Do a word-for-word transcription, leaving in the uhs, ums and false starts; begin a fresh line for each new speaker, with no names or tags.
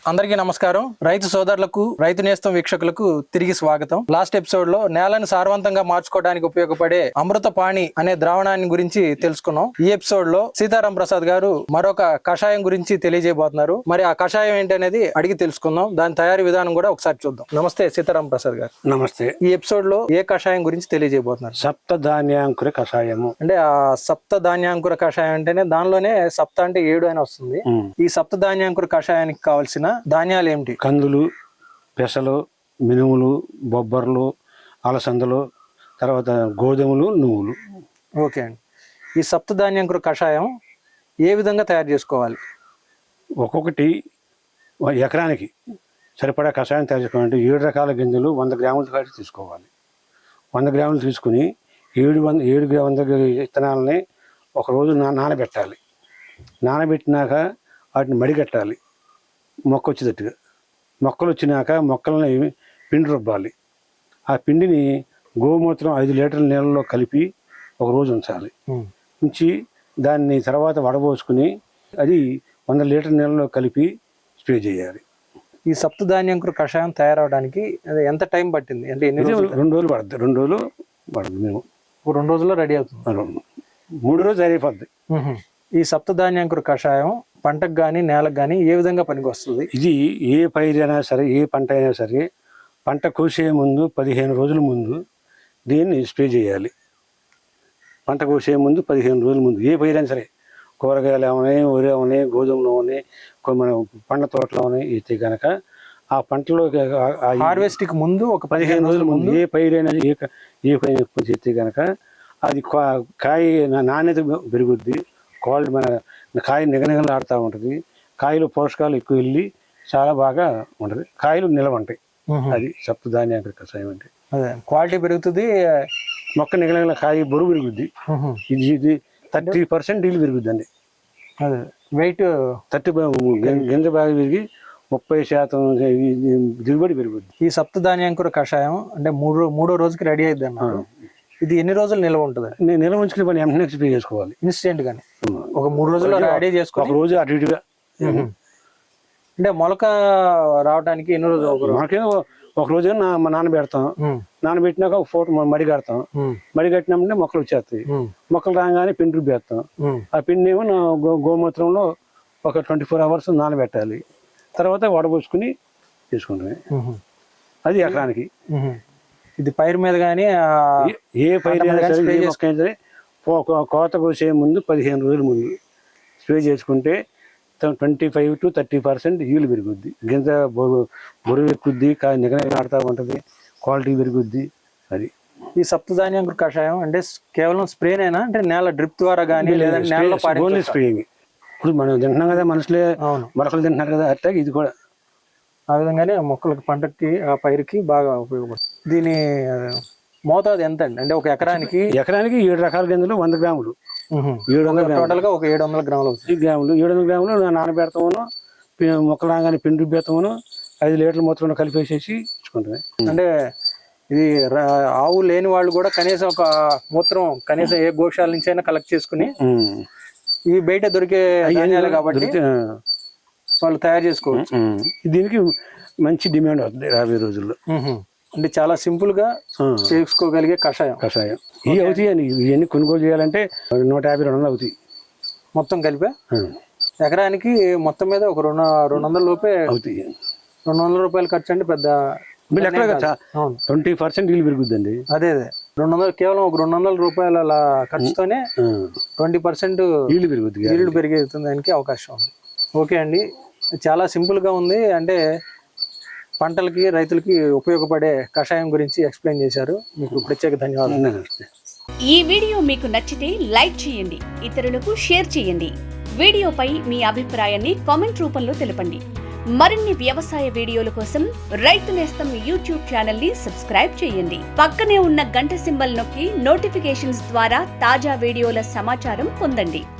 అందరికీ నమస్కారం. రైతు సోదరులకు, రైతు నేస్తం వీక్షకులకు తిరిగి స్వాగతం. లాస్ట్ ఎపిసోడ్ లో నేలను సారవంతంగా మార్చుకోవడానికి ఉపయోగపడే అమృత పాణి అనే ద్రావణాన్ని గురించి తెలుసుకున్నాం. ఈ ఎపిసోడ్ లో సీతారాం ప్రసాద్ గారు మరొక కషాయం గురించి తెలియజేయబోతున్నారు. మరి ఆ కషాయం ఏంటి అనేది అడిగి తెలుసుకుందాం. దాని తయారీ విధానం కూడా ఒకసారి చూద్దాం. నమస్తే సీతారాం ప్రసాద్ గారు.
నమస్తే.
ఈ ఎపిసోడ్ లో ఏ కషాయం గురించి తెలియజేయబోతున్నారు?
సప్త ధాన్యాంకుర కషాయము.
అంటే ఆ సప్త ధాన్యాంకుర కషాయం అంటేనే దానిలోనే సప్త అంటే ఏడు అని వస్తుంది. ఈ సప్త ధాన్యాంకుర కషాయానికి కావాల్సిన ధాన్యాలు ఏమిటి?
కందులు, పెసలు, మినుములు, బొబ్బర్లు, అలసందలు, తర్వాత గోధుమలు, నువ్వులు.
ఓకే అండి. ఈ సప్త ధాన్యాంకుర కషాయం ఏ విధంగా తయారు చేసుకోవాలి?
ఒక్కొక్కటి ఎకరానికి సరిపడా కషాయం తయారు చేసుకోవాలంటే ఏడు రకాల గింజలు వంద గ్రాములు కాటి తీసుకోవాలి. వంద గ్రాములు తీసుకుని ఏడు వంద ఏడు వంద విత్తనాలని ఒకరోజు నా నానబెట్టాలి. నానబెట్టినాక వాటిని మడిగట్టాలి మొక్క వచ్చేటట్టుగా. మొక్కలు వచ్చినాక మొక్కలని పిండి రుబ్బాలి. ఆ పిండిని గోమూత్రం ఐదు లీటర్ల నీళ్ళలో కలిపి ఒకరోజు ఉంచాలి. ఉంచి దాన్ని తర్వాత వడబోసుకుని అది వంద లీటర్ నీళ్ళలో కలిపి స్ప్రే చేయాలి.
ఈ సప్త ధాన్యాంకుర కషాయం తయారవడానికి ఎంత టైం పట్టింది? అంటే ఎన్ని రోజులు?
రెండు రోజులు పడుతుంది. రెండు రోజులు పడుతుంది. మేము
రెండు రోజుల్లో రెడీ అవుతుంది.
మూడు రోజులు అయిపోద్ది.
ఈ సప్త ధాన్యాంకుర కషాయం పంటకు కానీ నేలకు కానీ ఏ విధంగా పనికి వస్తుంది?
ఇది ఏ పైరైనా సరే, ఏ పంట అయినా సరే, పంట కోసే ముందు పదిహేను రోజుల ముందు దీన్ని స్ప్రే చేయాలి. పంట కోసే ముందు పదిహేను రోజుల ముందు ఏ పైరైనా సరే, కూరగాయలు ఏమన్నాయి, వరి ఏమన్నాయి, గోధుమలు ఉన్నాయి, మన పండ్ల తోటలు ఉన్నాయి, అయితే కనుక ఆ పంటలో
హార్వెస్ట్కి ముందు ఒక
పదిహేను రోజుల ముందు ఏ పైరైనా ఏ ఏ పైన చేస్తే కనుక అది కాయ నాణ్యత పెరుగుద్ది. క్వాలిటీ మన కాయ నిగనిగలు ఆడుతూ ఉంటుంది. కాయలు పోషకాలు ఎక్కువ వెళ్ళి చాలా బాగా ఉంటుంది. కాయలు నిలవ ఉంటాయి. అది సప్త ధాన్యాంకుర కషాయం అంటే.
అదే క్వాలిటీ పెరుగుతుంది.
మొక్క నిగనిగల కాయ బరువు పెరుగుద్ది. ఇది ఇది థర్టీ పర్సెంట్ ఇల్లు పెరుగుద్ది అండి.
అదే వెయిట్
థర్టీ గింజ బాగా పెరిగి ముప్పై శాతం దిగుబడి పెరుగుద్ది.
ఈ సప్త ధాన్యాంకుర కషాయం అంటే మూడు మూడో రోజుకి రెడీ అయింది అన్నారు. ఇది ఎన్ని రోజులు నిల్వ ఉంటుంది?
నేను నిల్వ ఉంచుకునే పని వెంటనే స్ప్రే చేసుకోవాలి.
ఇన్స్టెంట్ గానే ఒక మూడు రోజుల్లో రెడీ చేసుకోవాలి.
ఒక రోజు అటు ఇటుగా
అంటే మొలక రావడానికి ఎన్ని రోజులు?
మనకేమో ఒక రోజు మా నాన్న పెడతాం. నానబెట్టినాక ఒక ఫోటో మడి కడతాం. మడి కట్టినామంటే మొక్కలు వచ్చేస్తాయి. మొక్కలు రాగానే పిండి రుబ్బేస్తాం. ఆ పిండి ఏమో గోమూత్రంలో ఒక ట్వంటీ ఫోర్ అవర్స్ నానబెట్టాలి. తర్వాత వడబోసుకుని తీసుకుంటాం. అది ఎకరానికి.
ఇది పైరు మీద కానీ
ఏ పైరు సరే కోత కోసే ముందు పదిహేను రోజుల ముందు స్ప్రే చేసుకుంటే twenty five to thirty percent ఈలు పెరుగుద్ది. గింజ బరువు ఎక్కుద్ది, నిగనిగ ఆడుతూ ఉంటుంది, క్వాలిటీ పెరుగుద్ది. అది
ఈ సప్త ధాన్యాంకుర కషాయం అంటే కేవలం స్ప్రేనేనా? అంటే నేల డ్రిప్ ద్వారా కానీ లేదంటే నేలలో
ఓన్లీ స్ప్రేయింగ్. ఇప్పుడు మనం తింటున్నాం కదా, మనుషులే మొలకలు తింటున్నారు కదా, అట్లా ఇది కూడా
ఆ విధంగానే మొక్కలకి, పంటకి, ఆ పైరుకి బాగా ఉపయోగపడుతుంది. దీని మోతాదు ఎంత అండి? అంటే ఒక ఎకరానికి
ఎకరానికి ఏడు రకాల గింజలు వంద గ్రాములు ఏడు వందల
టోటల్ గా ఒక ఏడు వందల గ్రాములు
గ్రాములు ఏడు వందల గ్రాములు నానబెడతామను, మొక్కలు రాగానే పిండి రుబ్బేస్తామను, ఐదు లీటర్ల మొత్తం కలిపేసేసి ఇచ్చుకుంటామే.
అంటే ఇది ఆవు లేని వాళ్ళు కూడా కనీసం ఒక మూత్రం కనీసం ఏ గోశాల నుంచి అయినా కలెక్ట్ చేసుకుని, ఇవి బయట దొరికే ధాన్యాలు కాబట్టి వాళ్ళు తయారు చేసుకోవచ్చు.
దీనికి మంచి డిమాండ్ అవుతుంది రాబోయే రోజుల్లో.
అంటే చాలా సింపుల్ గా చేసుకోగలిగే కషాయం
కషాయం ఇవి అవుతాయి. అని ఇవన్నీ కొనుగోలు చేయాలంటే నూట యాభై రెండు వందలు అవుతాయి
మొత్తం కలిపే. ఎకరానికి మొత్తం మీద ఒక రెండు రెండు వందల లోపే
అవుతాయి.
రెండు వందల రూపాయలు ఖర్చు అంటే పెద్ద
ట్వంటీ పర్సెంట్ ఇల్లు పెరుగుద్దండి.
అదే అదే రెండు వందలు కేవలం ఒక రెండు వందల రూపాయల అలా ఖర్చుతోనే ట్వంటీ పర్సెంట్
ఇల్లు పెరుగుద్ది,
ఇల్లు పెరిగేతుంది దానికి అవకాశం ఉంది. ఓకే అండి, చాలా సింపుల్ గా ఉంది. అంటే పంటలకి, రైతులకి ఉపయోగపడే కషాయం గురించి ఎక్స్ప్లెయిన్ చేశారు. మీకు ప్రత్యేక ధన్యవాదాలు.
ఈ వీడియో మీకు నచ్చితే లైక్ చేయండి, ఇతరులకు షేర్ చేయండి. వీడియోపై మీ అభిప్రాయాన్ని కామెంట్ రూపంలో తెలపండి. మరిన్ని వ్యవసాయ వీడియోల కోసం రైతు నేస్తం యూట్యూబ్ ఛానల్ ని సబ్స్క్రైబ్ చేయండి. పక్కనే ఉన్న గంట సింబల్ నొక్కి నోటిఫికేషన్స్ ద్వారా తాజా వీడియోల సమాచారం పొందండి.